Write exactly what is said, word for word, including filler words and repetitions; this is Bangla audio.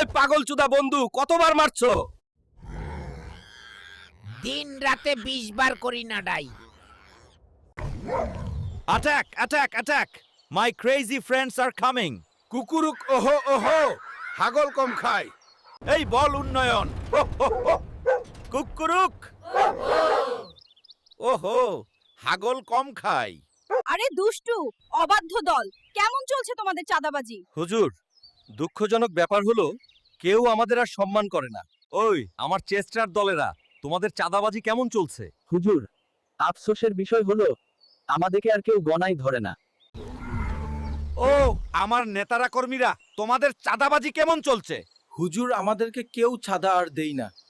এই পাগল চুদা বন্ধু কতবার মারছো? দিন রাতে বিশ বার করি না ডাই। Attack! Attack! Attack! My crazy friends are coming! কুকুরুক ওহো ওহো, হাগল কম খায়। এই বল উন্নয়ন! কুকুরুক! ওহো, হাগল কম খায়। আরে দুষ্টু, অবাধ্য দল, কেমন চলছে তোমাদের চাঁদাবাজি? হুজুর, দুঃখজনক ব্যাপার হলো কেউ আমাদের আর সম্মান করে না। ওই, আমার চেস্টার দলেরা, তোমাদের চাঁদাবাজি কেমন চলছে? হুজুর, আফসোসের বিষয় হলো আমাদেরকে আর কেউ গণাই ধরে না। ও, আমার নেতারা কর্মীরা, তোমাদের চাঁদাবাজি কেমন চলছে? হুজুর, আমাদেরকে কেউ ছাদা আর দেই না।